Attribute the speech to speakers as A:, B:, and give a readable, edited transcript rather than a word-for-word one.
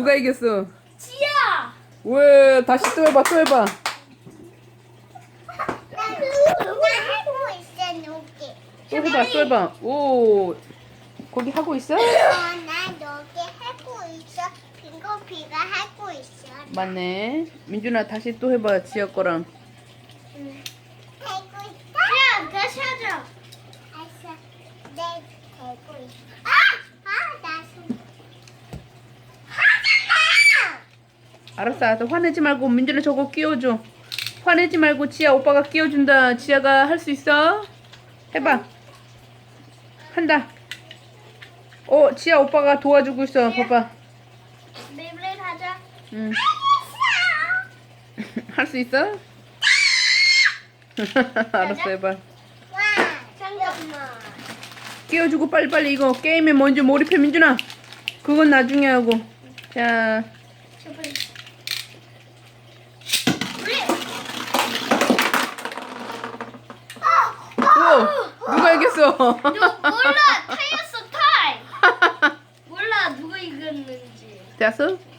A: 누가 이겼어?
B: 지야.
A: 왜 다시 또 해봐 또 해봐.
C: 나 하고 있어, 녹이.
A: 또 해봐 또 해봐. 오 거기 하고 있어?
C: 나 녹이 하고 있어. 빙고비가 하고 있어.
A: 맞네. 민준아 다시 또 해봐 지아 거랑.
C: 하고 있어.
B: 야, 다시 하자.
C: 알았어. 내 되고 있어. 나 손. 하잖아.
A: 알았어 화내지 말고 민준아 저거 끼워줘. 화내지 말고 지아 오빠가 끼워준다. 지아가 할 수 있어? 해봐. 한다. 지아 오빠가 도와주고 있어. 봐봐.
B: 베이블레이드 하자.
A: 응. 할 수 있어? 알았어 해봐.
C: 와.
B: 잠깐만.
A: 끼워주고 빨리빨리 이거 게임에 먼저 몰입해 민준아. 그건 나중에 하고. 자 누가 이겼어?
B: 몰라. 타이었어 타이. 몰라 누가 이겼는지.
A: 됐어?